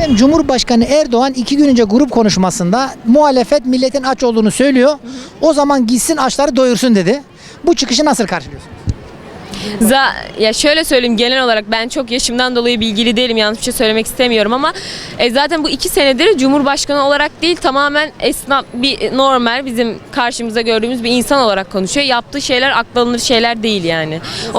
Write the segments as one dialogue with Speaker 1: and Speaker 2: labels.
Speaker 1: Efendim, Cumhurbaşkanı Erdoğan 2 gün önce grup konuşmasında muhalefet milletin aç olduğunu söylüyor. O zaman gitsin açları doyursun dedi. Bu çıkışı nasıl karşılıyorsunuz?
Speaker 2: Ya şöyle söyleyeyim, genel olarak ben çok yaşımdan dolayı bilgili değilim, yanlış bir şey söylemek istemiyorum ama zaten bu 2 senedir Cumhurbaşkanı olarak değil, tamamen esnaf, bir normal bizim karşımıza gördüğümüz bir insan olarak konuşuyor. Yaptığı şeyler akıl alınır şeyler değil yani.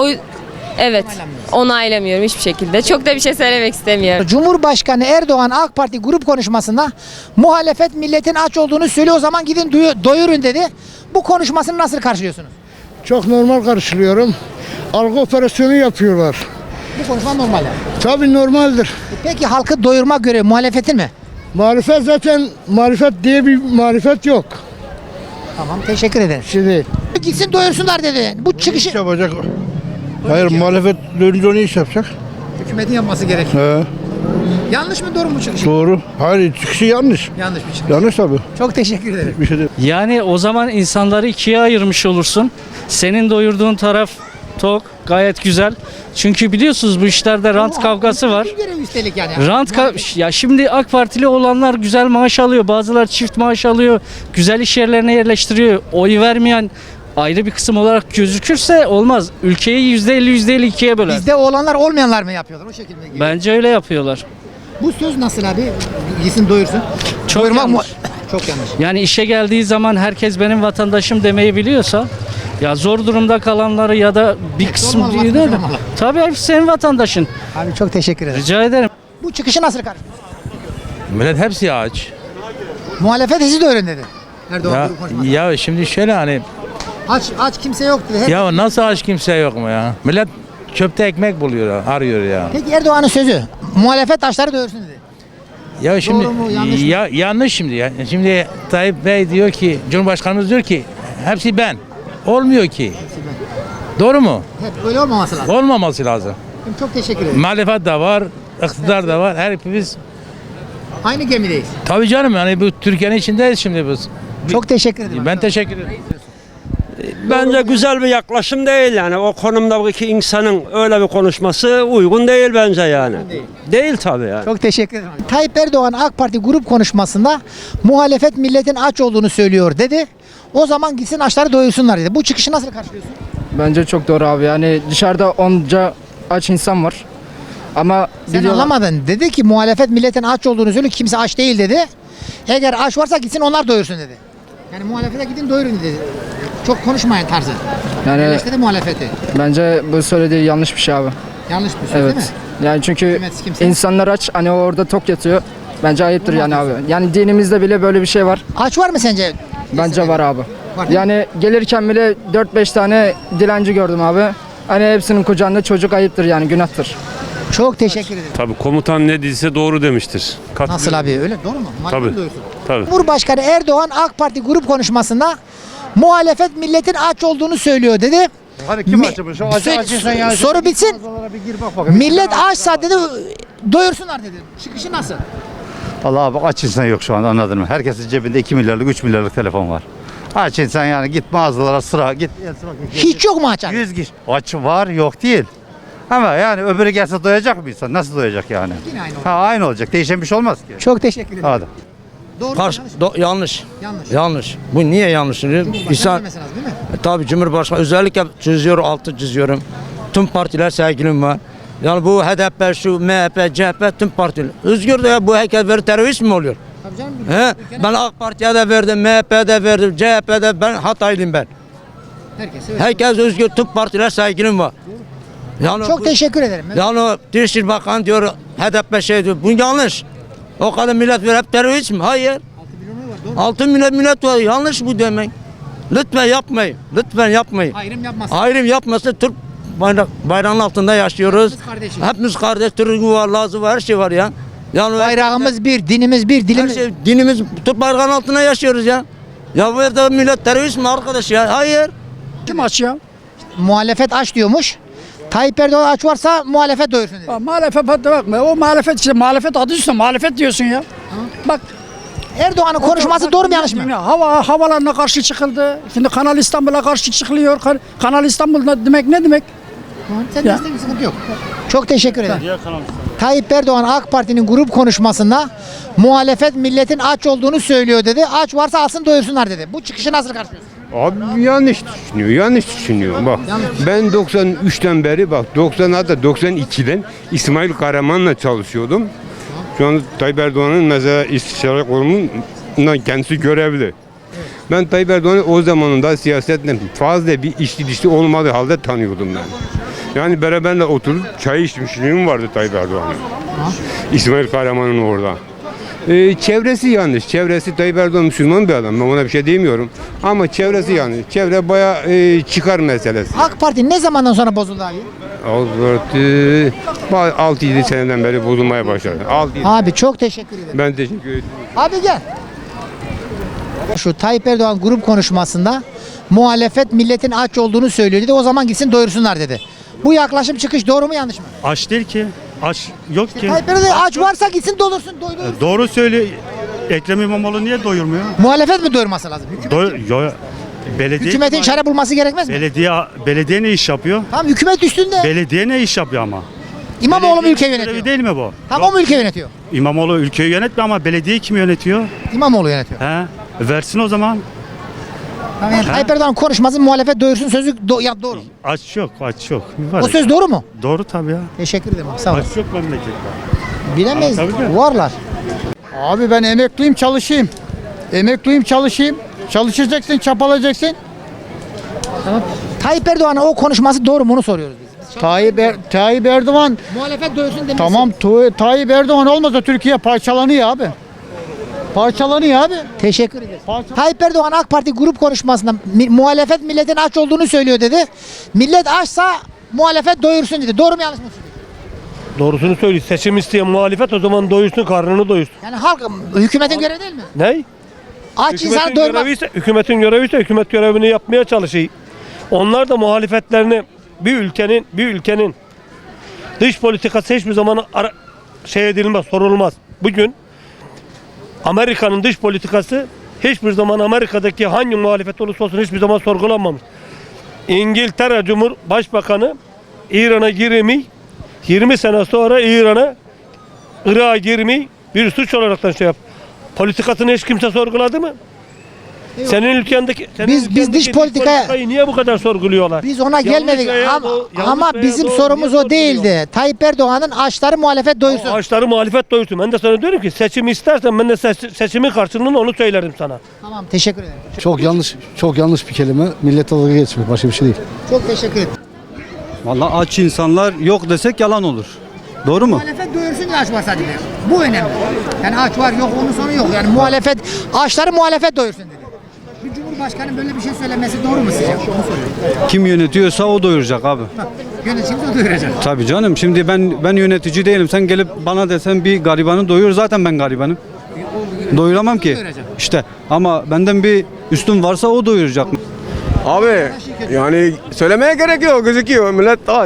Speaker 2: Evet, onaylamıyorum hiçbir şekilde. Çok da bir şey söylemek istemiyorum.
Speaker 1: Cumhurbaşkanı Erdoğan AK Parti grup konuşmasında muhalefet milletin aç olduğunu söylüyor, o zaman gidin doyurun dedi. Bu konuşmasını nasıl karşılıyorsunuz?
Speaker 3: Çok normal karşılıyorum. Algı operasyonu yapıyorlar.
Speaker 1: Bu konuşma normal yani.
Speaker 3: Tabii normaldir.
Speaker 1: Peki halkı doyurma görevi muhalefetin mi?
Speaker 3: Marifet zaten marifet diye bir marifet yok.
Speaker 1: Tamam, teşekkür ederim.
Speaker 3: Şimdi
Speaker 1: Gitsin doyursunlar dedi. Bu çıkışı
Speaker 4: İş yapacak. Hayır, muhalefet dönünce ne iş yapacak?
Speaker 1: hükümetin yapması gerekiyor.
Speaker 4: He,
Speaker 1: Yanlış mı, doğru mu çıkışı?
Speaker 4: doğru. Hayır, çıkışı yanlış.
Speaker 1: Yanlış bir çıkış.
Speaker 4: Yanlış tabii.
Speaker 1: Çok teşekkür ederim.
Speaker 4: Bir şey değil.
Speaker 5: Yani o zaman insanları ikiye ayırmış olursun. Senin doyurduğun taraf tok, gayet güzel. Çünkü biliyorsunuz bu işlerde rant kavgası var.
Speaker 1: Bir görev üstelik yani.
Speaker 5: Ya şimdi AK Partili olanlar güzel maaş alıyor. Bazıları çift maaş alıyor. Güzel iş yerlerine yerleştiriyor. Oy vermeyen ayrı bir kısım olarak gözükürse olmaz. Ülkeyi %50 ikiye böler.
Speaker 1: Bizde olanlar olmayanlar mı yapıyorlar o şekilde?
Speaker 5: Bence öyle yapıyorlar.
Speaker 1: Bu söz nasıl abi? Gitsin doyursun.
Speaker 5: Çok
Speaker 1: Doyurmak
Speaker 5: yanlış.
Speaker 1: Çok yanlış.
Speaker 5: Yani işe geldiği zaman herkes benim vatandaşım demeyi biliyorsa, ya zor durumda kalanları ya da bir kısım
Speaker 1: olmalı,
Speaker 5: değil de
Speaker 1: vatandaş olmalı.
Speaker 5: tabii hepsi senin vatandaşın.
Speaker 1: Abi çok teşekkür ederim.
Speaker 5: Rica ederim.
Speaker 1: Bu çıkışı nasıl karşılıyorsun?
Speaker 6: Millet hepsi aç.
Speaker 1: Muhalefet sizi doyurun dedi. Erdoğan grup konuşmasında.
Speaker 6: Ya şimdi şöyle hani
Speaker 1: Aç kimse yok dedi.
Speaker 6: ya nasıl aç kimse yok mu ya? Millet çöpte ekmek buluyor, arıyor ya.
Speaker 1: Peki Erdoğan'ın sözü, muhalefet açları doyursun dedi.
Speaker 6: Ya şimdi
Speaker 1: mu, yanlış mı?
Speaker 6: yanlış şimdi ya. Şimdi Tayyip Bey diyor ki, Cumhurbaşkanımız diyor ki hepsi ben. Olmuyor ki. Doğru mu?
Speaker 1: Hep öyle olmaması lazım.
Speaker 6: Olmaması lazım.
Speaker 1: Çok teşekkür ederim.
Speaker 6: Muhalefet de var, iktidar da var. Hepimiz
Speaker 1: Aynı gemideyiz.
Speaker 6: tabii canım, yani bu Türkiye'nin içindeyiz şimdi biz.
Speaker 1: Çok teşekkür ederim.
Speaker 6: Ben teşekkür ederim.
Speaker 7: Bence güzel bir yaklaşım değil yani. O konumdaki insanın öyle bir konuşması uygun değil bence yani. Değil tabii yani.
Speaker 1: Çok teşekkür ederim. Tayyip Erdoğan AK Parti grup konuşmasında muhalefet milletin aç olduğunu söylüyor dedi. O zaman gitsin açları doyursunlar dedi. Bu çıkışı nasıl karşılıyorsun?
Speaker 8: Bence çok doğru abi. Yani dışarıda onca aç insan var. Ama
Speaker 1: Sen anlamadın. Dedi ki muhalefet milletin aç olduğunu söylüyor. Kimse aç değil dedi. Eğer aç varsa gitsin onlar doyursun dedi. Yani muhalefete gidin doyurun dedi. Çok konuşmayın tarzı.
Speaker 8: Yani
Speaker 1: Eleştirdi muhalefeti.
Speaker 8: bence bu söylediği yanlış bir şey abi.
Speaker 1: Yanlış bir söz değil mi?
Speaker 8: Evet. Yani çünkü
Speaker 1: Hükümet kimse-
Speaker 8: insanlar aç, hani orada tok yatıyor. Bence ayıptır yani abi. Yani dinimizde bile böyle bir şey var.
Speaker 1: Aç var mı sence?
Speaker 8: Bence var abi.
Speaker 1: Var değil mi?
Speaker 8: Yani gelirken bile 4-5 tane dilenci gördüm abi. Hani hepsinin kucağında çocuk, ayıptır yani, günahtır.
Speaker 1: Çok teşekkür ederim.
Speaker 9: Tabii komutan ne dediyse doğru demiştir.
Speaker 1: Nasıl abi, öyle doğru mu? Muhalefet
Speaker 9: Tabii.
Speaker 1: doyursun.
Speaker 9: Tabii.
Speaker 1: Cumhurbaşkanı Erdoğan AK Parti grup konuşmasında muhalefet milletin aç olduğunu söylüyor dedi.
Speaker 4: Hadi kim
Speaker 1: Mi-
Speaker 4: açmış? O
Speaker 1: Soru bitsin. Millet açsa dedi doyursunlar dedi. Çıkışı nasıl?
Speaker 10: Vallahi abi aç insan yok şu anda, anladın mı? Herkesin cebinde 2 milyarlık 3 milyarlık telefon var. Aç insan yani, git mağazalara sıra git.
Speaker 1: Hiç yok mu aç abi?
Speaker 10: 100 kişi. Aç var yok değil. Ama yani öbürü gelse doyacak mı insan? Nasıl doyacak yani?
Speaker 1: Yine aynı oldu.
Speaker 10: Ha, aynı olacak. Değişen bir şey olmaz ki.
Speaker 1: Çok teşekkür ederim.
Speaker 10: Hadi.
Speaker 1: Doğru mu,
Speaker 11: Karşı,
Speaker 1: yanlış mı?
Speaker 11: yanlış.
Speaker 1: Yanlış.
Speaker 11: Yanlış. Bu niye yanlış?
Speaker 1: Cumhurbaşkanı
Speaker 11: İnsan,
Speaker 1: demesi lazım değil mi?
Speaker 11: tabii Cumhurbaşkanı özellikle çiziyor, altı çiziyorum. Tüm partiler sevgilim var. Yani bu HDP, şu MHP, CHP, tüm partiler. Özgür de ya, bu herkes verir, terörist mi oluyor?
Speaker 1: Tabii canım.
Speaker 11: He? Ben AK Parti'ye de verdim, MHP'ye de verdim, CHP'de, ben Hataylıyım ben.
Speaker 1: Herkes öyle.
Speaker 11: Herkes özgür, tüm partiler sevgilim var. Yani
Speaker 1: Çok teşekkür ederim.
Speaker 11: Yani o Dışişleri Bakanı diyor, HDP şey diyor, bu yanlış. O kadar millet ver, hep terörist mi? Hayır. 6 millet var, yanlış bu demek. Lütfen yapmayın, lütfen yapmayın.
Speaker 1: Ayrım yapmasın.
Speaker 11: Ayrım yapmasın, Türk bayrağının altında yaşıyoruz.
Speaker 1: Hepimiz kardeşiz.
Speaker 11: Hepimiz kardeş, Türk var, Lazı var, her şey var ya. Yani
Speaker 1: Bayrağımız bir, dinimiz bir,
Speaker 11: her
Speaker 1: dilimiz.
Speaker 11: şey, dinimiz, Türk bayrağının altında yaşıyoruz ya. Ya bu evde millet terörist mi arkadaş ya? Hayır.
Speaker 8: Kim aç ya?
Speaker 1: Muhalefet aç diyormuş. Tayyip Erdoğan aç varsa muhalefet doyursun dedi.
Speaker 8: Muhalefet bakma. O muhalefet işte, muhalefet adı üstüne muhalefet diyorsun ya. Bak,
Speaker 1: Erdoğan'ın konuşması doğru mu yanlış mı?
Speaker 8: Havalarına karşı çıkıldı. Şimdi Kanal İstanbul'a karşı çıkılıyor. Kanal İstanbul demek ne demek?
Speaker 1: Sen
Speaker 8: Ya.
Speaker 1: de sıkıntı yok. Çok teşekkür ederim. Tayyip Erdoğan AK Parti'nin grup konuşmasında muhalefet milletin aç olduğunu söylüyor dedi. Aç varsa alsın doyursunlar dedi. Bu çıkışı nasıl karşılıyorsun?
Speaker 9: Abi yanlış düşünüyor. Bak ben 93'ten beri bak 92'den İsmail Kahraman'la çalışıyordum. Şu an Tayyip Erdoğan'ın mesela istişare kurumundan kendisi görevli. Ben Tayyip Erdoğan'ı o zamanında siyasetle fazla bir içli dışlı olmadığı halde tanıyordum ben. Yani beraberle oturup çay içmişliğim vardı Tayyip Erdoğan'ın. İsmail Kahraman'ın orada. Çevresi yanlış. Çevresi Tayyip Erdoğan Müslüman bir adam. Ben ona bir şey demiyorum. Ama çevresi yanlış. Çevre bayağı çıkar meselesi.
Speaker 1: AK Parti ne zamandan sonra bozuldu abi?
Speaker 9: 6-7 seneden beri bozulmaya başladı. 6-7.
Speaker 1: Abi çok teşekkür ederim.
Speaker 9: Ben teşekkür ederim.
Speaker 1: Abi gel. Şu Tayyip Erdoğan grup konuşmasında muhalefet milletin aç olduğunu söylüyor dedi. O zaman gitsin doyursunlar dedi. Bu yaklaşım çıkış doğru mu yanlış mı?
Speaker 12: Aç değil ki. Aç yok ki.
Speaker 1: Tayyip Erdoğan aç varsa gitsin doyursun.
Speaker 12: Doğru söyle. Ekrem İmamoğlu niye doyurmuyor?
Speaker 1: Muhalefet mi doyurması lazım?
Speaker 12: Belediye
Speaker 1: Hükümetin çare bulması gerekmez mi?
Speaker 12: belediye ne iş yapıyor?
Speaker 1: Tamam hükümet üstünde.
Speaker 12: Belediye ne iş yapıyor ama?
Speaker 1: İmamoğlu mu ülkeyi
Speaker 12: Belediye
Speaker 1: yönetiyor?
Speaker 12: değil mi bu?
Speaker 1: Tamam o mu ülkeyi yönetiyor?
Speaker 12: İmamoğlu ülkeyi yönetmiyor ama belediyeyi kim yönetiyor?
Speaker 1: İmamoğlu yönetiyor.
Speaker 12: He? Versin o zaman.
Speaker 1: Tamam, yani Tayyip Erdoğan konuşmasın muhalefet doyursun sözü doğru.
Speaker 12: Aç yok.
Speaker 1: O söz doğru mu?
Speaker 12: Doğru tabii ya.
Speaker 1: Teşekkür ederim abi, sağ olun.
Speaker 12: Aç yok memlekette.
Speaker 1: Bilemeyiz.
Speaker 12: Tabii ki.
Speaker 1: Varlar.
Speaker 3: Abi ben emekliyim çalışayım. Çalışacaksın, çapalayacaksın.
Speaker 1: Tayyip Erdoğan'ın o konuşması doğru mu onu soruyoruz biz.
Speaker 3: Tayyip Erdoğan
Speaker 1: Muhalefet doyursun demesi.
Speaker 3: tamam Tayyip Erdoğan olmasa Türkiye parçalanıyor abi.
Speaker 1: Teşekkür ederiz. Tayyip Erdoğan AK Parti grup konuşmasında muhalefet milletin aç olduğunu söylüyor dedi. Millet açsa muhalefet doyursun dedi. Doğru mu yanlış mı?
Speaker 12: Doğrusunu söylüyor. Seçim isteyen muhalefet o zaman doyursun, karnını doyursun.
Speaker 1: Yani halk hükümetin görevi değil mi?
Speaker 12: Ne?
Speaker 1: Aç insanı doyurmak.
Speaker 12: Hükümetin görevi ise hükümet görevini yapmaya çalışıyor. Onlar da muhalefetlerini bir ülkenin dış politikası hiçbir zaman edilmez, sorulmaz. Bugün Amerika'nın dış politikası hiçbir zaman Amerika'daki hangi muhalefet olursa olsun hiçbir zaman sorgulanmamış. İngiltere Cumhurbaşkanı İran'a girmeyi 20 sene sonra Irak'a girmeyi bir suç olaraktan yap. Politikasını hiç kimse sorguladı mı? Senin ülkendeki
Speaker 1: Biz dış politikayı
Speaker 12: niye bu kadar sorguluyorlar?
Speaker 1: Biz ona gelmedik ama bizim
Speaker 12: doğru,
Speaker 1: sorumuz o değildi. Tayyip Erdoğan'ın açları muhalefet doyursun.
Speaker 12: Ağaçları muhalefet doyursun. Ben de sana diyorum ki seçimi istersen ben de seçimin karşılığında onu söylerim sana.
Speaker 1: Tamam teşekkür ederim.
Speaker 3: Çok yanlış bir kelime. Millet dalga geçmek başka bir şey değil.
Speaker 1: Çok teşekkür ederim.
Speaker 10: Vallahi aç insanlar yok desek yalan olur. Doğru mu?
Speaker 1: Muhalefet doyursun diye aç var sadece. Bu önemli. Yani aç var yok onun sonu yok. Yani muhalefet açları muhalefet doyursun dedi. Bir cumhurbaşkanı böyle bir şey söylemesi doğru mu sizce? Onu soruyorum.
Speaker 10: Kim yönetiyorsa o doyuracak abi.
Speaker 1: Yönetim de doyuracak.
Speaker 10: Tabii canım. Şimdi ben yönetici değilim. Sen gelip bana desen bir garibanı doyur, zaten ben garibanım. Doyuramam ki. İşte ama benden bir üstün varsa o doyuracak.
Speaker 9: Abi yani söylemeye gerek yok, gözüküyor millet aç.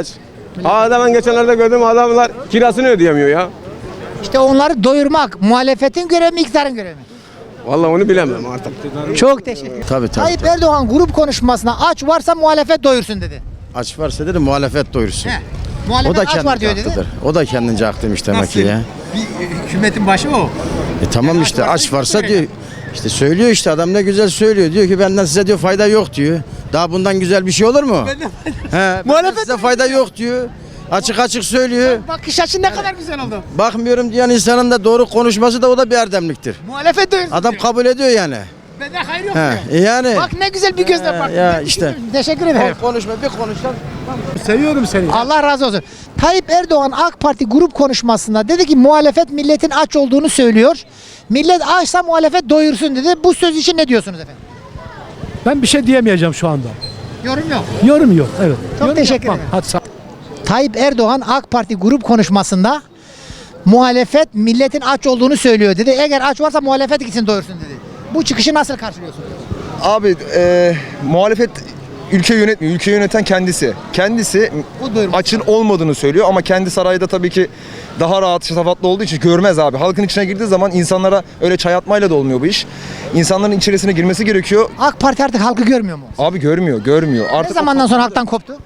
Speaker 9: Ben geçenlerde gördüm adamlar kirasını ödeyemiyor ya.
Speaker 1: İşte onları doyurmak muhalefetin görevi mi iktidarın görevi mi?
Speaker 9: Vallahi onu bilemem artık.
Speaker 1: Çok teşekkür ederim.
Speaker 11: Tabii.
Speaker 1: Tayyip Erdoğan grup konuşmasına aç varsa muhalefet doyursun dedi.
Speaker 11: Aç varsa dedi muhalefet doyursun.
Speaker 1: Muhalefet aç var diyor dedi.
Speaker 11: O da kendince haklıymış demek ki ya.
Speaker 1: Hükümetin başı o.
Speaker 11: Tamam işte aç varsa diyor. İşte söylüyor işte adam ne güzel söylüyor. Diyor ki benden size diyor fayda yok diyor. Daha bundan güzel bir şey olur mu? Benden size fayda yok diyor. Açık söylüyor.
Speaker 1: Bakış açın ne kadar güzel oldu.
Speaker 11: Bakmıyorum diyen insanın da doğru konuşması da o da bir erdemliktir.
Speaker 1: Muhalefet doyursun
Speaker 11: Adam
Speaker 1: diyor.
Speaker 11: kabul ediyor yani.
Speaker 1: Benden hayır yok
Speaker 11: He, yani.
Speaker 1: Bak ne güzel bir gözle bak.
Speaker 11: Ya işte.
Speaker 1: Teşekkür ederim.
Speaker 11: Konuşma bir konuşsan.
Speaker 3: Seviyorum seni.
Speaker 1: Allah razı olsun. Tayyip Erdoğan AK Parti grup konuşmasında dedi ki muhalefet milletin aç olduğunu söylüyor. Millet açsa muhalefet doyursun dedi. Bu söz için ne diyorsunuz efendim?
Speaker 3: Ben bir şey diyemeyeceğim şu anda.
Speaker 1: Yorum yok.
Speaker 3: Yorum yok. Evet.
Speaker 1: Çok teşekkür ederim.
Speaker 3: Hadi sağ
Speaker 1: Tayyip Erdoğan AK Parti grup konuşmasında muhalefet milletin aç olduğunu söylüyor dedi. Eğer aç varsa muhalefet gitsin doyursun dedi. Bu çıkışı nasıl karşılıyorsun?
Speaker 13: Abi muhalefet ülke yönetmiyor. Ülke yöneten kendisi. Kendisi açın olmadığını söylüyor ama kendi sarayda tabii ki daha rahat, şatafatlı olduğu için görmez abi. Halkın içine girdiği zaman insanlara öyle çay atmayla da olmuyor bu iş. İnsanların içerisine girmesi gerekiyor.
Speaker 1: AK Parti artık halkı görmüyor mu?
Speaker 13: Abi görmüyor.
Speaker 1: Ne
Speaker 13: Artık
Speaker 1: zamandan sonra halktan koptu?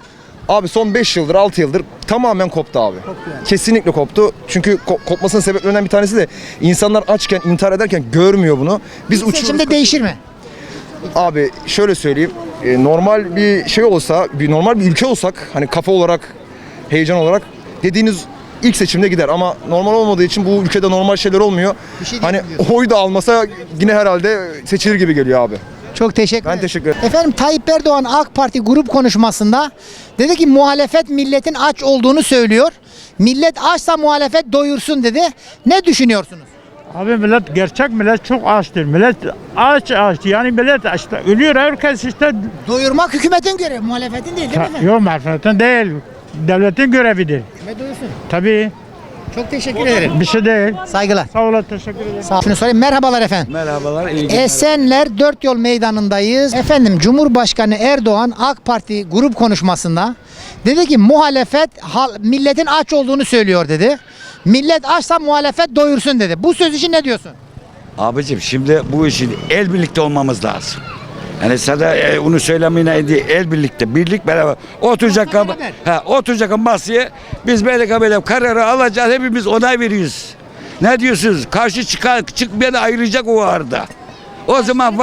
Speaker 13: Abi son 5 yıldır 6 yıldır tamamen koptu abi. Kesinlikle koptu. Çünkü kopmasının sebeplerinden bir tanesi de insanlar açken intihar ederken görmüyor bunu. Biz
Speaker 1: Seçimde değişir mi?
Speaker 13: Abi şöyle söyleyeyim. Normal bir şey olsa, normal bir ülke olsak hani kafa olarak, heyecan olarak dediğiniz ilk seçimde gider ama normal olmadığı için bu ülkede normal şeyler olmuyor. Hani oy da almasa yine herhalde seçilir gibi geliyor abi.
Speaker 1: Çok teşekkür ederim.
Speaker 13: Ben teşekkür ederim.
Speaker 1: Efendim Tayyip Erdoğan AK Parti grup konuşmasında dedi ki muhalefet milletin aç olduğunu söylüyor. Millet açsa muhalefet doyursun dedi. Ne düşünüyorsunuz?
Speaker 12: Abi millet, gerçek millet çok açtır. Millet aç. Yani millet işte ölüyor, herkes işte.
Speaker 1: Doyurmak hükümetin görevi, muhalefetin değil mi efendim?
Speaker 12: Yok, muhalefetin değil. Devletin görevidir.
Speaker 1: Kime doyursun?
Speaker 12: Tabii.
Speaker 1: Çok teşekkür ederim.
Speaker 12: Bir şey değil.
Speaker 1: Saygılar.
Speaker 12: Sağ olun, teşekkür ederim.
Speaker 1: Sağ olun. Şunu sorayım. Merhabalar efendim.
Speaker 10: Merhabalar.
Speaker 1: Esenler Dört Yol Meydanı'ndayız. Efendim Cumhurbaşkanı Erdoğan AK Parti grup konuşmasında dedi ki muhalefet milletin aç olduğunu söylüyor dedi. Millet açsa muhalefet doyursun dedi. Bu söz için ne diyorsun?
Speaker 10: Abicim şimdi bu işin el birlikte olmamız lazım. Yani sana onu söylemeyene değil, el birlikte, birlik beraber oturacak masaya biz böyle kararı alacağız, hepimiz onay veriyoruz. Ne diyorsunuz? Karşı çıkmayan ayrılacak o arada. O zaman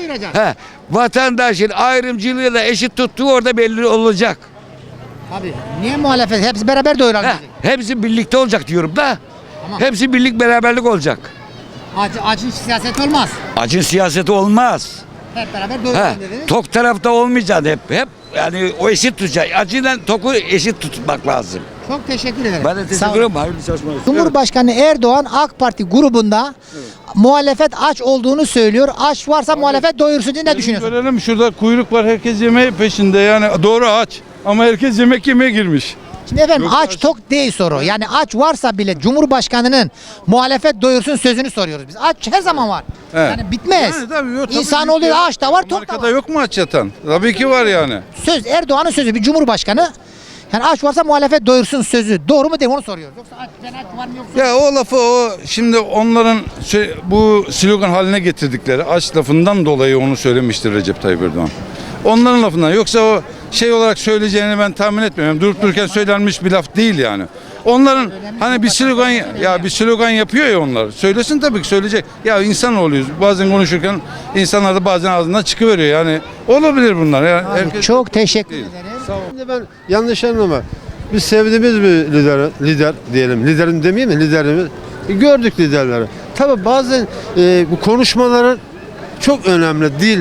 Speaker 10: vatandaşın ayrımcılığı da eşit tuttuğu orada belli olacak.
Speaker 1: Abi niye muhalefet? Hepsi beraber doyuralım dedi.
Speaker 10: Hepsi birlikte olacak diyorum da.
Speaker 1: Tamam.
Speaker 10: Hepsi birlik beraberlik olacak.
Speaker 1: Acın siyaseti olmaz.
Speaker 10: Acın siyaseti olmaz.
Speaker 1: Hep beraber doyuralım dediniz.
Speaker 10: Tok tarafta olmayacak hep yani o eşit tutacak. Acıyla toku eşit tutmak lazım.
Speaker 1: Çok teşekkür ederim.
Speaker 10: Ben de teşekkür ederim. Hayırlı çalışmalar.
Speaker 1: Cumhurbaşkanı Erdoğan AK Parti grubunda muhalefet aç olduğunu söylüyor. Aç varsa muhalefet doyursun diye ne düşünüyorsun?
Speaker 4: Görelim, şurada kuyruk var, herkes yemeği peşinde, yani doğru aç ama herkes yemek yemeye girmiş.
Speaker 1: Şimdi efendim aç tok değil soru. Yani aç varsa bile Cumhurbaşkanı'nın muhalefet doyursun sözünü soruyoruz biz. Aç her zaman var.
Speaker 4: Evet.
Speaker 1: Yani bitmez.
Speaker 4: Yani tabii yok, tabii
Speaker 1: İnsan
Speaker 4: ki
Speaker 1: oluyor
Speaker 4: ya.
Speaker 1: aç da var tok da
Speaker 4: Amerika'da
Speaker 1: var.
Speaker 4: yok mu aç yatan? Tabii ki var yani.
Speaker 1: Söz Erdoğan'ın sözü bir Cumhurbaşkanı. Yani aç varsa muhalefet doyursun sözü. Doğru mu değil mi onu soruyoruz. Yoksa aç var mı yoksa?
Speaker 4: Ya o lafı şimdi onların bu slogan haline getirdikleri aç lafından dolayı onu söylemiştir Recep Tayyip Erdoğan. Onların lafından, yoksa o şey olarak söyleyeceğini ben tahmin etmiyorum. Durup dururken söylenmiş bir laf değil yani. Onların hani bir slogan yapıyor ya onlar. Söylesin tabii ki, söyleyecek. Ya insan oluyoruz. Bazen konuşurken insanlar da bazen ağzından çıkıveriyor yani. Olabilir bunlar. Yani
Speaker 1: Çok teşekkür ederim.
Speaker 3: Şimdi ben yanlış anlama. Biz sevdiğimiz bir lider diyelim. Liderim demeyeyim mi? Liderimiz. Gördük liderleri. Tabii bazen bu konuşmaların çok önemli. Dil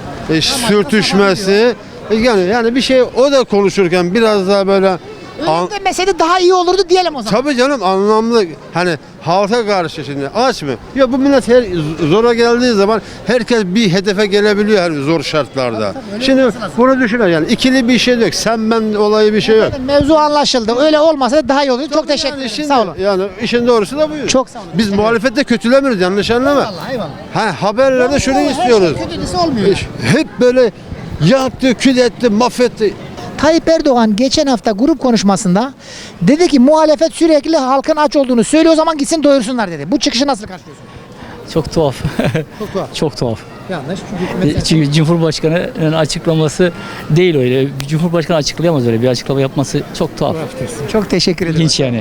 Speaker 3: sürtüşmesi. Yani bir şey o da konuşurken biraz daha böyle
Speaker 1: Öyle demeseydi daha iyi olurdu diyelim o zaman.
Speaker 3: tabii canım anlamlı, hani halka karşı şimdi aç mı? Ya bu millet zora geldiği zaman herkes bir hedefe gelebiliyor hani zor şartlarda. Şimdi bunu düşünün, yani ikili bir şey yok. Sen ben olayı bir şey yok.
Speaker 1: Mevzu anlaşıldı. Öyle olmasa da daha iyi olurdu. Çok teşekkür ederim. Sağ olun.
Speaker 3: Yani işin doğrusu da bu.
Speaker 1: Çok sağ olun.
Speaker 3: Biz muhalefette kötülemiyoruz, yanlış anlama.
Speaker 1: Eyvallah.
Speaker 3: Haberlerde şunu istiyoruz.
Speaker 1: Kötüsü olmuyor.
Speaker 3: Hep böyle yaktı, kül etti, mahvetti.
Speaker 1: Tayyip Erdoğan geçen hafta grup konuşmasında dedi ki muhalefet sürekli halkın aç olduğunu söylüyor, o zaman gitsin doyursunlar dedi. Bu çıkışı nasıl karşılıyorsun?
Speaker 5: Çok tuhaf.
Speaker 1: Çok tuhaf.
Speaker 5: Çok tuhaf.
Speaker 1: Yanlış. Çünkü
Speaker 5: Çünkü Cumhurbaşkanı'nın açıklaması değil öyle. Cumhurbaşkanı açıklayamaz öyle bir açıklama yapması çok tuhaf.
Speaker 1: çok teşekkür ederim.
Speaker 5: İlginç yani.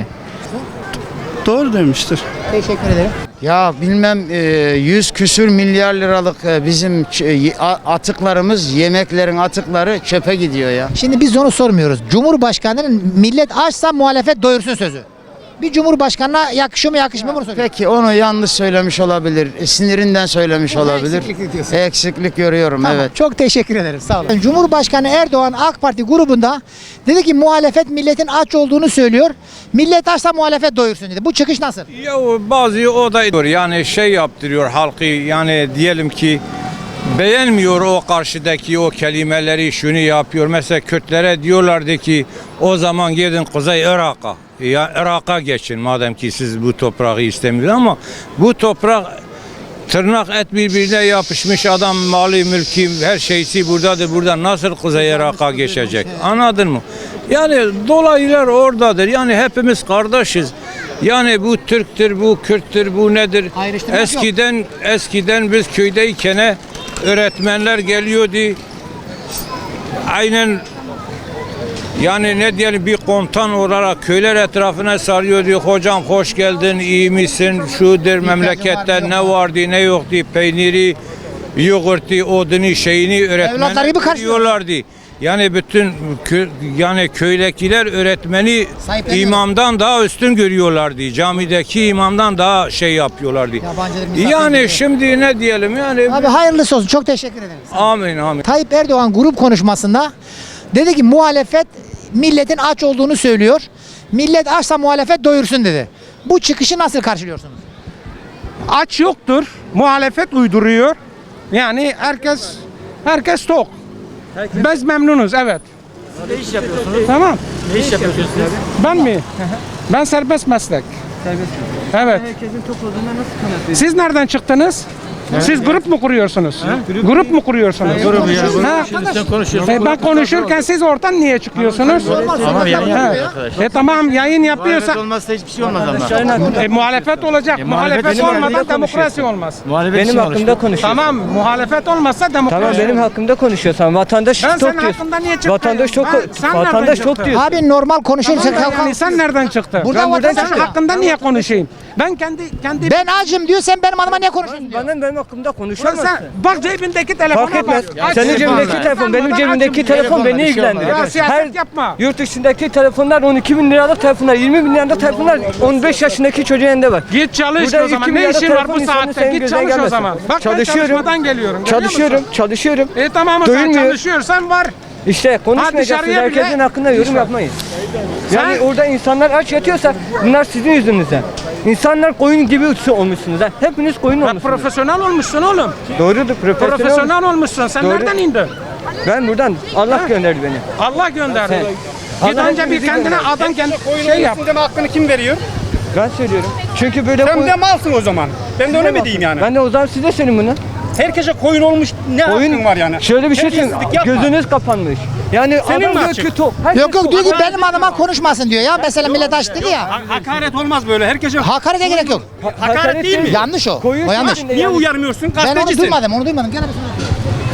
Speaker 4: doğru demiştir.
Speaker 1: Teşekkür ederim.
Speaker 11: Ya bilmem 100 küsür milyar liralık bizim atıklarımız, yemeklerin atıkları çöpe gidiyor ya.
Speaker 1: Şimdi biz onu sormuyoruz. Cumhurbaşkanının millet açsa muhalefet doyursun sözü. Bir cumhurbaşkanına yakışıyor mu yakışmıyor mu bunu soruyoruz.
Speaker 11: Peki onu yanlış söylemiş olabilir, sinirinden söylemiş olabilir.
Speaker 1: eksiklik diyorsun.
Speaker 11: Eksiklik görüyorum,
Speaker 1: Tamam,
Speaker 11: evet.
Speaker 1: çok teşekkür ederim. Sağ olun. Cumhurbaşkanı Erdoğan AK Parti grubunda dedi ki muhalefet milletin aç olduğunu söylüyor. Millet açsa muhalefet doyursun dedi. Bu çıkış nasıl?
Speaker 6: Ya bazı o da yani şey yaptırıyor halkı, yani diyelim ki beğenmiyor o karşıdaki o kelimeleri, şunu yapıyor. Mesela Kürtlere diyorlardı ki o zaman gidin Kuzey Irak'a. Ya Irak'a geçin madem ki siz bu toprağı istemiyorsunuz, ama bu toprak tırnak et birbirine yapışmış, adam malı mülkü her şeysi buradadır. Burada nasıl Kuzey Irak'a geçecek? Anladın mı? Yani dolaylar oradadır. Yani hepimiz kardeşiz. Yani bu Türktür, bu Kürttür, bu nedir?
Speaker 1: Ayrıştırmak
Speaker 6: Eskiden biz köydeyken öğretmenler geliyordu. Aynen Yani ne diyelim, bir komutan olarak köyler etrafına sarıyor, diyor hocam hoş geldin, iyi misin, şudur memlekette ne vardı ne yoktu, peyniri, yoğurtu, odunu, şeyini
Speaker 1: Evlatları gibi
Speaker 6: öğretmeni
Speaker 1: karşılıyor.
Speaker 6: diyorlardı. Yani bütün yani köydekiler öğretmeni
Speaker 1: Sahipleniyor.
Speaker 6: imamdan daha üstün görüyorlardı. Camideki imamdan daha şey yapıyorlardı.
Speaker 1: Yabancıdır, misafir
Speaker 6: Yani
Speaker 1: gibi.
Speaker 6: şimdi ne diyelim yani.
Speaker 1: Abi hayırlısı olsun. Çok teşekkür ederim.
Speaker 6: Amin amin.
Speaker 1: Tayyip Erdoğan grup konuşmasında dedi ki muhalefet milletin aç olduğunu söylüyor. Millet açsa muhalefet doyursun dedi. Bu çıkışı nasıl karşılıyorsunuz?
Speaker 14: Aç yoktur. Muhalefet uyduruyor. Yani herkes tok. Biz memnunuz, evet.
Speaker 5: Ne iş yapıyorsunuz?
Speaker 14: Tamam.
Speaker 5: Ne iş yapıyorsunuz abi?
Speaker 14: Ben mi? Ben serbest meslek. Evet.
Speaker 5: Herkesin tok olduğuna nasıl kanıtlıyorsunuz?
Speaker 14: Siz nereden çıktınız? Siz grup mu kuruyorsunuz? Grup mu kuruyorsunuz?
Speaker 5: Grubu ya.
Speaker 14: Ha?
Speaker 5: Sen konuşuyorsun.
Speaker 14: Ben konuşurken siz oradan niye çıkıyorsunuz?
Speaker 5: Ama yayın
Speaker 14: Ha.
Speaker 5: yapıyor arkadaş.
Speaker 14: Tamam, yayın yapıyorsa
Speaker 5: Olmazsa hiçbir şey olmaz ama.
Speaker 14: muhalefet olacak. Muhalefet
Speaker 5: benim
Speaker 14: olmadan
Speaker 5: hakkımda
Speaker 14: demokrasi olmaz.
Speaker 5: Benim hakkımda konuşuyor.
Speaker 14: Tamam, muhalefet olmazsa demokrasi
Speaker 5: Tamam benim
Speaker 14: olmaz.
Speaker 5: hakkımda konuşuyorsan vatandaş
Speaker 14: Ben
Speaker 5: çok
Speaker 14: senin
Speaker 5: diyorsun.
Speaker 14: hakkında niye çıkmayayım?
Speaker 5: Vatandaş çok
Speaker 14: Sen
Speaker 5: vatandaş
Speaker 14: nereden
Speaker 5: çok
Speaker 14: çıktın?
Speaker 5: diyorsun.
Speaker 1: Abi normal konuşursa
Speaker 14: Tamam da yani sen nereden çıktın?
Speaker 1: Burada
Speaker 14: Ben
Speaker 1: vatandaş
Speaker 14: senin
Speaker 1: çıkıyor.
Speaker 14: hakkında niye konuşayım? Ben kendi
Speaker 1: ben acım diyor, sen benim adıma niye konuşuyorsun diyor.
Speaker 5: Benim hakkımda
Speaker 14: Ulan
Speaker 5: konuşamazsın.
Speaker 14: sen bak cebindeki telefona
Speaker 5: Fark etmez.
Speaker 14: bak.
Speaker 5: Senin
Speaker 14: Aç
Speaker 5: cebindeki
Speaker 14: telefonu.
Speaker 5: telefon, benim
Speaker 14: Ben
Speaker 5: cebimdeki
Speaker 14: açım
Speaker 5: telefon beni ilgilendiriyor.
Speaker 14: Ya siyaset yapma.
Speaker 5: Yurt dışındaki telefonlar 12 bin liralık telefonlar, 20 bin liralık telefonlar 15 yaşındaki çocuğun elinde var.
Speaker 14: Git çalış
Speaker 5: Burada
Speaker 14: o zaman.
Speaker 5: 2
Speaker 14: Ne
Speaker 5: milyarda
Speaker 14: işin var
Speaker 5: telefon
Speaker 14: bu
Speaker 5: insanın
Speaker 14: saatte?
Speaker 5: senin
Speaker 14: Git
Speaker 5: gözüne
Speaker 14: çalış o
Speaker 5: gelmesin.
Speaker 14: zaman. Bak
Speaker 5: Çalışıyorum.
Speaker 14: ben çalışmadan geliyorum. görüyor
Speaker 5: Çalışıyorum,
Speaker 14: musun?
Speaker 5: çalışıyorum.
Speaker 14: Tamam o zaman
Speaker 5: Doymuyor.
Speaker 14: çalışıyorsan var.
Speaker 5: İşte konuşmayacaksınız,
Speaker 14: dışarıya bile-
Speaker 5: herkesin hakkında yorum yapmayın. Yani
Speaker 14: Sen-
Speaker 5: orada insanlar aç yatıyorsa bunlar sizin yüzünüzden. İnsanlar koyun gibi olmuşsunuz ha. Hepiniz koyun
Speaker 14: Bak
Speaker 5: olmuşsunuz.
Speaker 14: profesyonel olmuşsun oğlum.
Speaker 5: Doğrudur, profesyonel.
Speaker 14: Profesyonel olmuşsun. Sen
Speaker 5: Doğru.
Speaker 14: nereden indin?
Speaker 5: Ben buradan, Allah gönderdi beni.
Speaker 14: Allah gönderdi.
Speaker 5: He.
Speaker 14: Git
Speaker 5: Allah
Speaker 14: önce bir
Speaker 5: hepimizi
Speaker 14: kendine
Speaker 5: gönderdi.
Speaker 14: adam kendi şey yap.
Speaker 12: Deme hakkını kim veriyor?
Speaker 5: Ben söylüyorum. Çünkü böyle
Speaker 12: Sen de malsın o zaman. Ben de öyle mi diyeyim yani?
Speaker 5: Ben de o zaman size söyleyeyim bunu.
Speaker 12: Herkese koyun olmuş ne hakkın var yani?
Speaker 5: Şöyle bir şey söyleyeyim.
Speaker 12: Terbiyesizlik yapma.
Speaker 5: Gözünüz kapanmış. Yani
Speaker 12: Senin
Speaker 5: adam
Speaker 12: mi
Speaker 5: diyor
Speaker 12: açık?
Speaker 5: ki tok. Herkes
Speaker 1: Yok yok
Speaker 5: tok.
Speaker 1: diyor ki benim adıma konuşmasın diyor ya. Mesela millet aç dedi ya.
Speaker 12: Hakaret olmaz böyle. Herkese
Speaker 1: Hakarete gerek yok.
Speaker 12: hakaret değil mi?
Speaker 1: Yanlış o.
Speaker 5: Koyun
Speaker 1: O yanlış.
Speaker 5: içinde
Speaker 12: Niye
Speaker 5: yani.
Speaker 12: uyarmıyorsun?
Speaker 1: Ben onu
Speaker 12: Gazetecisin.
Speaker 1: duymadım, onu duymadım. Gene bir sonra.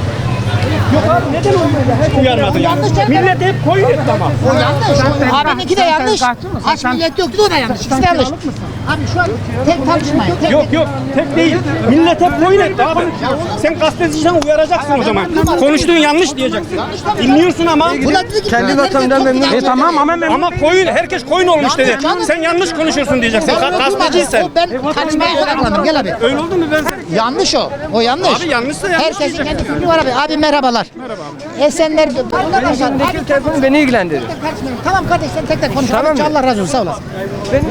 Speaker 12: Uyarmadın yani. Millet hep koyun etti ama.
Speaker 1: O yanlış. Abininki de yanlış. Aç millet yok dedi, o da yanlış. İkisi de yanlış. Abi şu an tek tartışmayın. Tek
Speaker 12: Yok yok tek değil. Millet hep koyun etti abi. Sen gazeteciysen uyaracaksın o zaman. Konuştuğun yanlış diyeceksin. Dinliyorsun ama.
Speaker 1: Bu da dedi ki
Speaker 5: Kendi
Speaker 1: millet
Speaker 5: vatanından
Speaker 1: çok
Speaker 5: memnun.
Speaker 1: yanlış.
Speaker 12: Tamam ama koyun herkes koyun olmuş dedi.
Speaker 1: Canım.
Speaker 12: Sen yanlış konuşuyorsun diyeceksin.
Speaker 1: Ben onu duymadım.
Speaker 12: Gazeteciysen.
Speaker 1: O ben tartışmaya odaklandım. Gel abi.
Speaker 12: Öyle oldu mu ben?
Speaker 1: Yanlış o. O yanlış.
Speaker 12: Abi yanlışsa yanlış
Speaker 1: Herkesin
Speaker 12: diyeceksin.
Speaker 1: kendi fikri var abi. Abi merhabalar. Merhaba abi. Esenler.
Speaker 5: Benim cebimdeki telefon beni ilgilendiriyor.
Speaker 1: Tamam kardeş, sen tek tek konuş.
Speaker 5: Tamam
Speaker 1: Abi,
Speaker 5: mı?
Speaker 1: Allah razı olsun, sağ olasın.
Speaker 5: Ben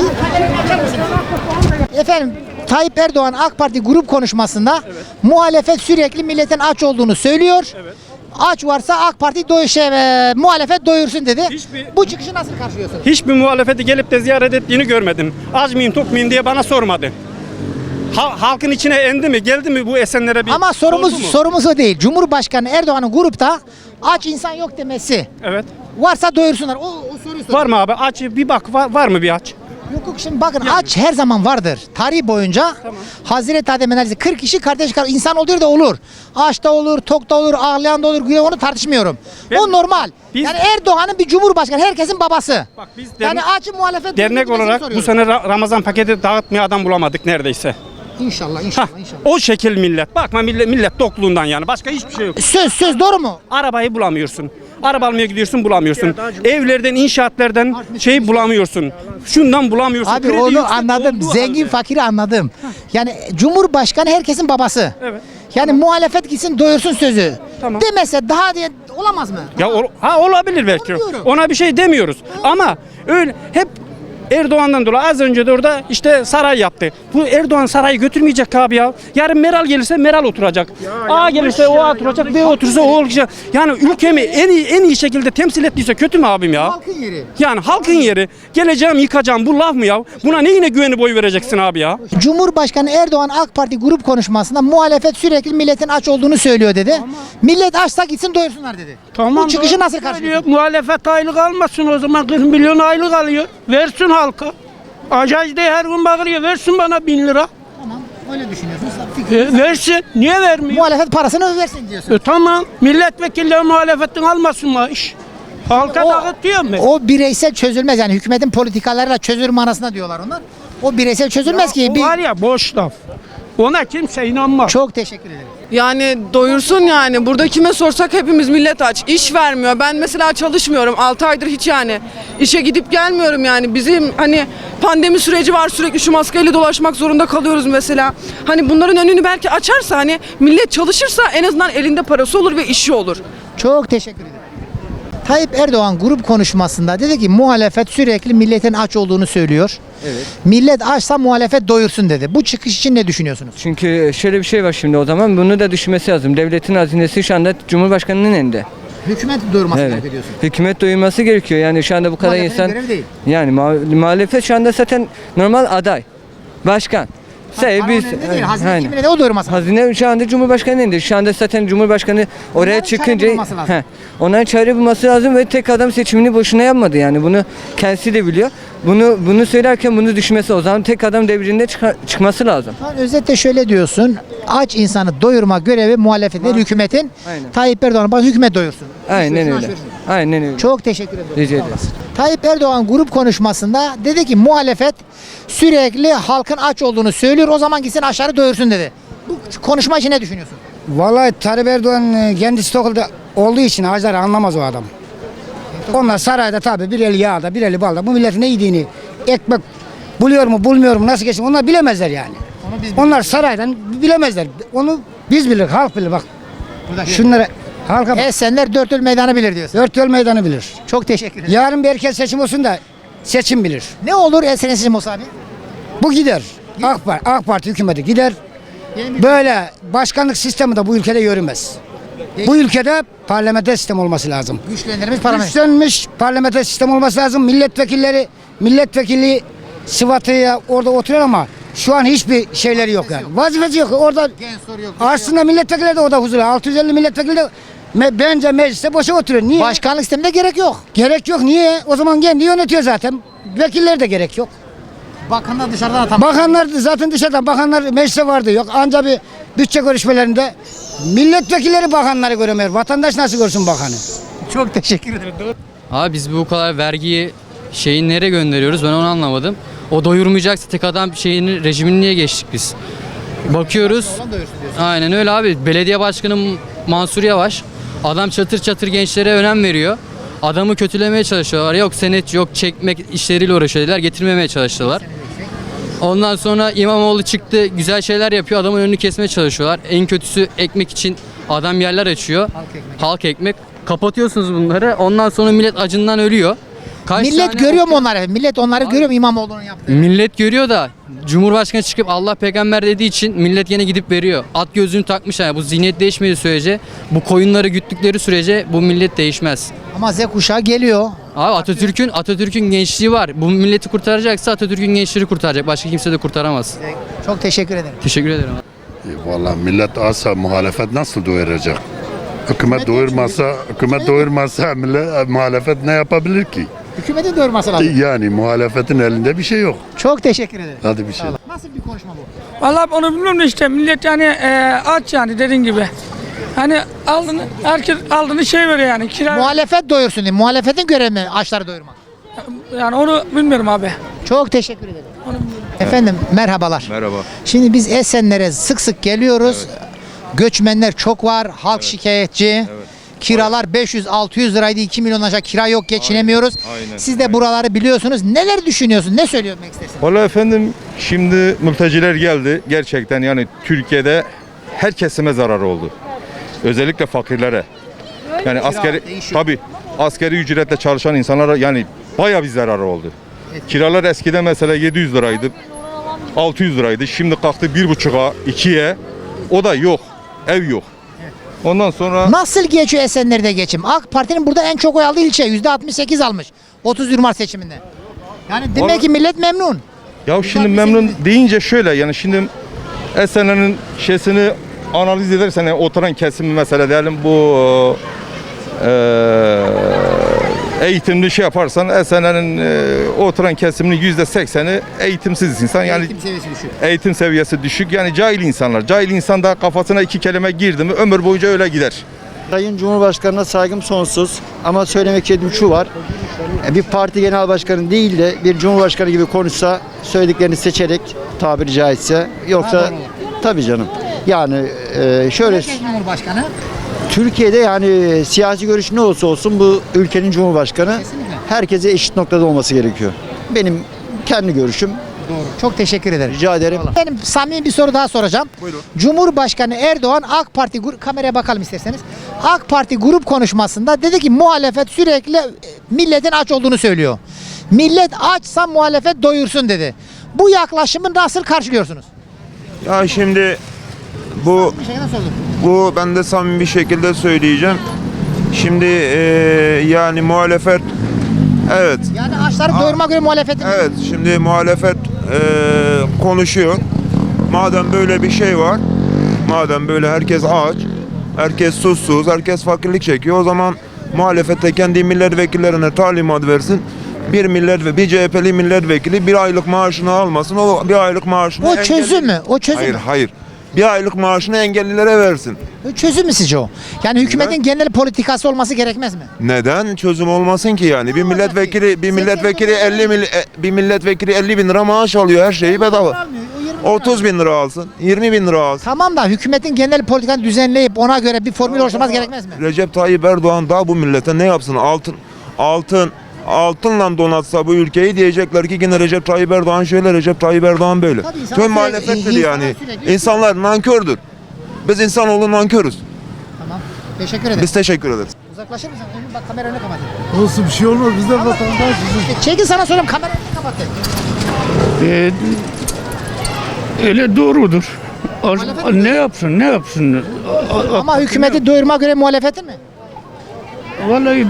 Speaker 1: Efendim Tayyip Erdoğan AK Parti grup konuşmasında muhalefet sürekli milletin aç olduğunu söylüyor. Aç varsa AK Parti muhalefet doyursun dedi. Bu çıkışı nasıl karşılıyorsun?
Speaker 12: Hiçbir muhalefeti gelip de ziyaret ettiğini görmedim. Az mıyım tok muyum diye bana sormadı. Halkın içine endi mi geldi mi bu Esenler'e bir
Speaker 1: Ama
Speaker 12: sordu mu?
Speaker 1: sorumuz o değil. Cumhurbaşkanı Erdoğan'ın grupta aç insan yok demesi.
Speaker 12: Evet.
Speaker 1: Varsa doyursunlar. O soruyu sor.
Speaker 12: Var mı abi aç bir bak var mı bir aç?
Speaker 1: Yok yok, şimdi bakın aç her zaman vardır. Tarih boyunca Hazreti Adem'in ailesi 40 kişi kardeş insan oluyor da olur. Aç da olur, tok da olur, ağlayan da olur, gülen, onu tartışmıyorum. O normal. Yani Erdoğan'ın bir cumhurbaşkanı, herkesin babası.
Speaker 12: Bak biz
Speaker 1: Yani açı muhalefet
Speaker 12: dernek
Speaker 1: doyursun
Speaker 12: olarak bu
Speaker 1: soruyoruz.
Speaker 12: sene Ramazan paketi dağıtmaya adam bulamadık neredeyse.
Speaker 1: İnşallah
Speaker 12: Hah,
Speaker 1: inşallah.
Speaker 12: o şekil millet. Bakma millet tokluğundan yani. Başka hiçbir şey yok.
Speaker 1: Söz doğru mu?
Speaker 12: Arabayı bulamıyorsun. Araba almaya gidiyorsun bulamıyorsun. Evlerden, inşaatlardan şey bulamıyorsun. Şundan bulamıyorsun.
Speaker 1: Abi
Speaker 12: Kredi
Speaker 1: onu
Speaker 12: yüksek
Speaker 1: anladım.
Speaker 12: olduğu
Speaker 1: Zengin
Speaker 12: halde.
Speaker 1: fakiri anladım. Yani Cumhurbaşkanı herkesin babası.
Speaker 12: Evet.
Speaker 1: Yani muhalefet gitsin doyursun sözü.
Speaker 12: Tamam.
Speaker 1: Demese daha diye olamaz mı?
Speaker 12: Ya olabilir belki.
Speaker 1: Onu diyorum.
Speaker 12: Ona bir şey demiyoruz. Ama öyle hep Erdoğan'dan dolayı az önce de orada işte saray yaptı. Bu Erdoğan sarayı götürmeyecek abi ya. Yarın Meral gelirse Meral oturacak. A gelirse o oturacak, B oturursa o olacak. Yani ülkemi en iyi şekilde temsil ettiyse kötü mü abim ya?
Speaker 1: Halkın yeri.
Speaker 12: Yani halkın yeri. Geleceğim yıkacağım bu laf mı ya? Buna neyine güvenip oy vereceksin abi ya?
Speaker 1: Cumhurbaşkanı Erdoğan AK Parti grup konuşmasında muhalefet sürekli milletin aç olduğunu söylüyor dedi. Millet açsa gitsin doyursunlar dedi.
Speaker 14: Tamam.
Speaker 1: Bu çıkışı
Speaker 14: doğru
Speaker 1: nasıl
Speaker 14: söylüyor.
Speaker 1: karşılıyorsun?
Speaker 14: Muhalefet aylık almasın o zaman 40 milyon aylık alıyor. Versin halka. Acayip de her gün bağırıyor. Versin bana 1000 lira.
Speaker 1: Tamam, öyle düşünüyorsunuz.
Speaker 14: Versin. Niye vermiyor?
Speaker 1: Muhalefet parasını versin diyorsun.
Speaker 14: Tamam. Milletvekilleri muhalefetten almasın maaş. Halka dağıtıyor mu?
Speaker 1: O bireysel çözülmez yani hükümetin politikalarıyla çözülür manasında diyorlar onlar. O bireysel çözülmez ki.
Speaker 14: O var ya boş laf. Ona kimse inanmaz.
Speaker 1: Çok teşekkür ederim.
Speaker 15: Yani doyursun yani. Burada kime sorsak hepimiz millet aç. İş vermiyor. Ben mesela çalışmıyorum. 6 aydır hiç yani. İşe gidip gelmiyorum yani. Bizim hani pandemi süreci var. Sürekli şu maskeyle dolaşmak zorunda kalıyoruz mesela. Hani bunların önünü belki açarsa hani millet çalışırsa en azından elinde parası olur ve işi olur.
Speaker 1: Çok teşekkür ederim. Tayyip Erdoğan grup konuşmasında dedi ki muhalefet sürekli milletin aç olduğunu söylüyor.
Speaker 11: Evet.
Speaker 1: Millet açsa muhalefet doyursun dedi. Bu çıkış için ne düşünüyorsunuz?
Speaker 11: Çünkü şöyle bir şey var şimdi o zaman bunu da düşünmesi lazım. Devletin hazinesi şu anda Cumhurbaşkanı'nın elinde.
Speaker 1: Hükümet doyurması
Speaker 11: Evet.
Speaker 1: gerekiyor diyorsun.
Speaker 11: Hükümet doyurması gerekiyor. Yani şu anda bu kadar
Speaker 1: Muhalefetin
Speaker 11: insan
Speaker 1: görevi değil.
Speaker 11: yani muhalefet şu anda zaten normal aday. Başkan.
Speaker 1: Paranın elinde değil, hazine kimin elinde, o doyurması lazım.
Speaker 11: Hazine şu anda Cumhurbaşkanı'nın elinde. Şu anda zaten Cumhurbaşkanı oraya
Speaker 1: Onların çare
Speaker 11: çıkınca
Speaker 1: bulması lazım.
Speaker 11: onların çare bulması lazım ve tek adam seçimini boşuna yapmadı yani. Bunu kendisi de biliyor. Bunu söylerken bunu düşünmesi o zaman tek adam devrinde çıkması lazım.
Speaker 1: Yani özetle şöyle diyorsun. Aç insanı doyurma görevi muhalefetin, hükümetin.
Speaker 11: Aynen.
Speaker 1: Tayyip Erdoğan'a bak hükümet doyursun.
Speaker 11: Aynen
Speaker 1: Şunu
Speaker 11: öyle.
Speaker 1: aşıyorsun.
Speaker 11: Aynen öyle.
Speaker 1: Çok teşekkür ederim.
Speaker 11: Rica
Speaker 1: Sağ
Speaker 11: ederim.
Speaker 1: olasın. Tayyip Erdoğan grup konuşmasında dedi ki muhalefet sürekli halkın aç olduğunu söylüyor. O zaman gitsin aşağı doyursun dedi. Bu konuşma için ne düşünüyorsun?
Speaker 16: Vallahi Tayyip Erdoğan kendisi Tokyo'da olduğu için ağaçları anlamaz o adam. Onlar sarayda tabii bir eli yağda bir eli balda. Bu milletin ne yediğini, ekmek buluyor mu bulmuyor mu nasıl geçin onlar bilemezler yani. Onlar saraydan bilemezler. Onu biz bilir, halk bilir bak. Şunları halka bak.
Speaker 1: Esenler dört yol meydanı bilir diyorsun.
Speaker 16: Dört yol meydanı bilir.
Speaker 1: Çok teşekkür ederim.
Speaker 16: Yarın bir erken seçim olsun da seçim bilir.
Speaker 1: Ne olur Esen'in seçim olsa abi?
Speaker 16: Bu gider. AK Parti hükümeti gider. Böyle başkanlık sistemi de bu ülkede yürümez. Bu ülkede parlamenter sistem olması lazım.
Speaker 1: Güçlendirilmiş parlamenter.
Speaker 16: Güçlenmiş parlamenter sistem olması lazım. Milletvekili sıfatıya orada oturuyor ama şu an hiçbir şeyleri yok yani. Vazifesi yok. Orada aslında milletvekilleri de orada huzurlu. 650 milletvekili de bence mecliste boşa oturuyor. Niye?
Speaker 1: Başkanlık sisteminde gerek yok.
Speaker 16: Gerek yok. Niye? O zaman kendi yönetiyor zaten. Vekiller de gerek yok.
Speaker 1: Bakanlar dışarıdan atamaz.
Speaker 16: Bakanlar zaten dışarıdan. Bakanlar meclise vardı yok. Ancak bir bütçe görüşmelerinde milletvekilleri bakanları göremiyor. Vatandaş nasıl görsün bakanı?
Speaker 1: Çok teşekkür ederim.
Speaker 5: Abi biz bu kadar vergiyi nereye gönderiyoruz ben onu anlamadım. O doyurmayacaksa tek adam rejimini niye geçtik biz? Bakıyoruz. Aynen öyle abi. Belediye başkanı Mansur Yavaş. Adam çatır çatır gençlere önem veriyor. Adamı kötülemeye çalışıyorlar. Yok senet yok çekmek işleriyle uğraşıyorlar. Getirmemeye çalıştılar. Ondan sonra İmamoğlu çıktı güzel şeyler yapıyor. Adamın önünü kesmeye çalışıyorlar. En kötüsü ekmek için adam yerler açıyor. Halk ekmek. Kapatıyorsunuz bunları. Ondan sonra millet acından ölüyor.
Speaker 1: Millet görüyor mu onları? Millet onları görüyor mu İmamoğlu'nun yaptığı?
Speaker 5: Millet görüyor da Cumhurbaşkanı çıkıp Allah peygamber dediği için millet yine gidip veriyor. At gözlüğünü takmış yani bu zihniyet değişmediği sürece bu koyunları güttükleri sürece bu millet değişmez.
Speaker 1: Ama Z kuşağı geliyor.
Speaker 5: Abi Atatürk'ün gençliği var. Bu milleti kurtaracaksa Atatürk'ün gençleri kurtaracak. Başka kimse de kurtaramaz.
Speaker 1: Çok teşekkür ederim.
Speaker 5: Teşekkür ederim.
Speaker 17: Vallahi millet azsa muhalefet nasıl doyuracak? Hükümet doyurmazsa muhalefet ne yapabilir ki?
Speaker 1: Hükümetin doyurması lazım.
Speaker 17: Yani muhalefetin elinde bir şey yok.
Speaker 1: Çok teşekkür ederim.
Speaker 17: Hadi bir şey.
Speaker 1: Nasıl bir konuşma bu?
Speaker 14: Vallahi onu bilmiyorum da işte millet yani aç yani dediğin gibi. Hani herkes aldığını veriyor yani kira.
Speaker 1: Muhalefet doyursun diye. Muhalefetin görevi mi açları doyurmak?
Speaker 14: Yani onu bilmiyorum abi.
Speaker 1: Çok teşekkür ederim. Efendim merhabalar.
Speaker 3: Merhaba.
Speaker 1: Şimdi biz Esenler'e sık sık geliyoruz. Göçmenler çok var. Halk şikayetçi. Kiralar 500-600 liraydı. 2 milyon aşağı kira yok. Geçinemiyoruz.
Speaker 3: Aynen.
Speaker 1: Siz de buraları biliyorsunuz. Neler düşünüyorsun? Ne söylemek istersin?
Speaker 3: Vallahi efendim şimdi mülteciler geldi. Gerçekten yani Türkiye'de her kesime zarar oldu. Özellikle fakirlere. Yani askeri ücretle çalışan insanlara yani bayağı bir zararı oldu. Kiralar eskiden mesela 700 liraydı. 600 liraydı. Şimdi kalktı 1,5'a, 2'ye. O da yok. Ev yok. Ondan sonra
Speaker 1: Nasıl geçiyor Esenler'de geçim? AK Parti'nin burada en çok oy aldığı ilçe. %68 almış. 30 Mart seçiminde. Yani demek ki millet memnun.
Speaker 3: ya şimdi memnun deyince şöyle yani şimdi Esenler'in analiz edersen yani oturan kesimi mesela diyelim bu eğitimli yaparsan Esenler'in oturan kesiminin %80'i eğitimsiz insan yani eğitim seviyesi düşük yani cahil insanlar. Cahil insan da kafasına iki kelime girdi mi ömür boyunca öyle gider.
Speaker 11: Sayın Cumhurbaşkanı'na saygım sonsuz ama söylemek istediğim şu var. Bir parti genel başkanı değil de bir cumhurbaşkanı gibi konuşsa söylediklerini seçerek tabiri caizse yoksa tabii canım. Yani şöyle
Speaker 1: Herkes Cumhurbaşkanı.
Speaker 11: Türkiye'de yani siyasi görüş ne olursa olsun bu ülkenin cumhurbaşkanı herkese eşit noktada olması gerekiyor. Benim kendi görüşüm.
Speaker 1: Doğru. Çok teşekkür ederim.
Speaker 11: Rica ederim.
Speaker 1: Benim samimi bir soru daha soracağım.
Speaker 11: Buyurun.
Speaker 1: Cumhurbaşkanı Erdoğan AK Parti kameraya bakalım isterseniz. AK Parti grup konuşmasında dedi ki muhalefet sürekli milletin aç olduğunu söylüyor. Millet açsa muhalefet doyursun dedi. Bu yaklaşımı nasıl karşılıyorsunuz?
Speaker 18: Ya şimdi bu
Speaker 1: Bir şey nasıl olur?
Speaker 18: bu ben de samimi bir şekilde söyleyeceğim. Şimdi yani muhalefet evet.
Speaker 1: Yani açları doyurmak göre muhalefet.
Speaker 18: Evet, şimdi muhalefet konuşuyor. Madem böyle bir şey var, madem böyle herkes aç, herkes susuz, herkes fakirlik çekiyor, o zaman muhalefette kendi milletvekillerine talimat versin. Bir CHP'li milletvekili bir aylık maaşını almasın, o bir aylık maaşını
Speaker 1: O çözüm mü? O çözüm
Speaker 18: Hayır,
Speaker 1: mü?
Speaker 18: hayır. Bir aylık maaşını engellilere versin.
Speaker 1: O çözüm mü sizce o? Yani hükümetin genel politikası olması gerekmez mi?
Speaker 18: Neden çözüm olmasın ki yani? Bir milletvekili 50 bin lira maaş alıyor, her şeyi bedava. 30 bin lira alsın, 20 bin lira alsın.
Speaker 1: Tamam da hükümetin genel politikanı düzenleyip ona göre bir formül oluşturması gerekmez mi?
Speaker 18: Recep Tayyip Erdoğan daha bu millete ne yapsın? Altınla donatsa bu ülkeyi diyecekler ki yine Recep Tayyip Erdoğan şöyle, Recep Tayyip Erdoğan böyle.
Speaker 1: Tabii insanlar
Speaker 18: Tüm muhalefettir
Speaker 1: sürekli-
Speaker 18: yani.
Speaker 1: sürekli-
Speaker 18: İnsanlar nankördür. Biz insanoğlu nankörüz.
Speaker 1: Tamam. Teşekkür ederim.
Speaker 18: Biz teşekkür ederiz.
Speaker 1: Uzaklaşır mısın? Önüm bak kamera önüne kapatın.
Speaker 12: Olsun bir şey olmaz. Biz de vatandaşız.
Speaker 1: Çekil sana söyleyeyim kamera önüne kapatın.
Speaker 12: Öyle doğrudur. Ne yapsın? Ne yapsın?
Speaker 1: Ama hükümeti doyurmak göre muhalefetin mi?
Speaker 12: Vallahi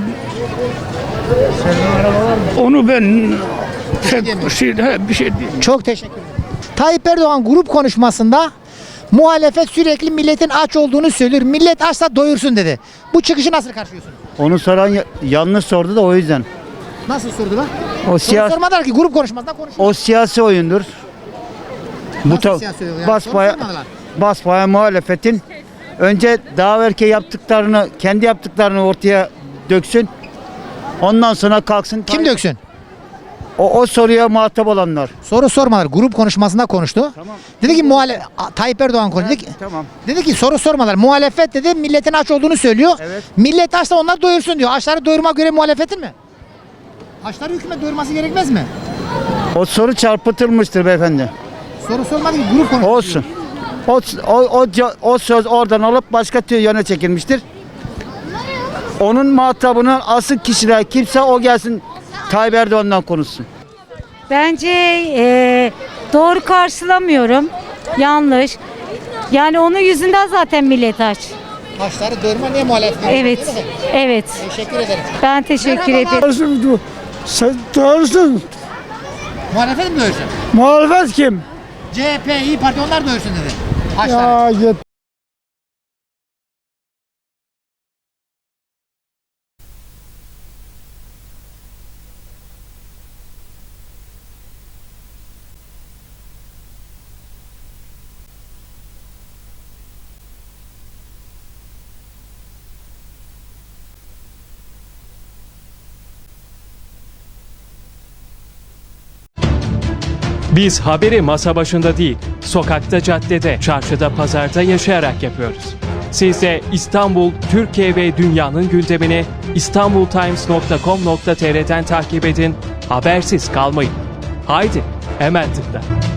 Speaker 12: onu ben bir şey diyeyim.
Speaker 1: Çok teşekkür ederim. Tayyip Erdoğan grup konuşmasında muhalefet sürekli milletin aç olduğunu söylüyor. Millet açsa doyursun dedi. Bu çıkışı nasıl karşılıyorsunuz?
Speaker 11: Onu soran yanlış sordu da o yüzden.
Speaker 1: Nasıl sordular?
Speaker 11: O
Speaker 1: Soru sormadılar ki grup konuşmasında konuşuyor.
Speaker 11: O siyasi oyundur.
Speaker 1: Nasıl siyasi oyun? Yani soru sormadılar.
Speaker 11: Basbaya muhalefetin önce daha evvelki yaptıklarını, kendi yaptıklarını ortaya döksün. Ondan sonra kalksın.
Speaker 1: Kim döksün?
Speaker 11: O soruya muhatap olanlar.
Speaker 1: Soru sormadılar. Grup konuşmasında konuştu.
Speaker 11: Tamam.
Speaker 1: Dedi ki Tayyip Erdoğan konuştu. Dedi ki,
Speaker 11: Tamam.
Speaker 1: dedi ki soru sormadılar. Muhalefet dedi milletin aç olduğunu söylüyor.
Speaker 11: Evet.
Speaker 1: Millet açsa onlar doyursun diyor. Açları doyurmak göre muhalefetin mi? Açları hükümet doyurması gerekmez mi?
Speaker 11: O soru çarpıtılmıştır beyefendi.
Speaker 1: Soru sormadı ki grup konuştu.
Speaker 11: Olsun. O söz oradan alıp başka yöne çekilmiştir. Onun muhatabının asıl kişiler kimse o gelsin Tayyip Erdoğan'dan konuşsun.
Speaker 19: Bence doğru karşılamıyorum. Yanlış. Yani onun yüzünden zaten millet aç.
Speaker 1: Açları doyurma niye muhalefet?
Speaker 19: Evet. Evet.
Speaker 1: Teşekkür ederim.
Speaker 19: Ben teşekkür ederim.
Speaker 12: Sen doğrusun.
Speaker 1: Muhalefet mi doyursun?
Speaker 12: Muhalefet kim?
Speaker 1: CHP, İYİ Parti onlar doyursun dedi. Açları.
Speaker 12: Ya
Speaker 20: Biz haberi masa başında değil, sokakta, caddede, çarşıda, pazarda yaşayarak yapıyoruz. Siz de İstanbul, Türkiye ve dünyanın gündemini istanbultimes.com.tr'den takip edin, habersiz kalmayın. Haydi, hemen tıkla.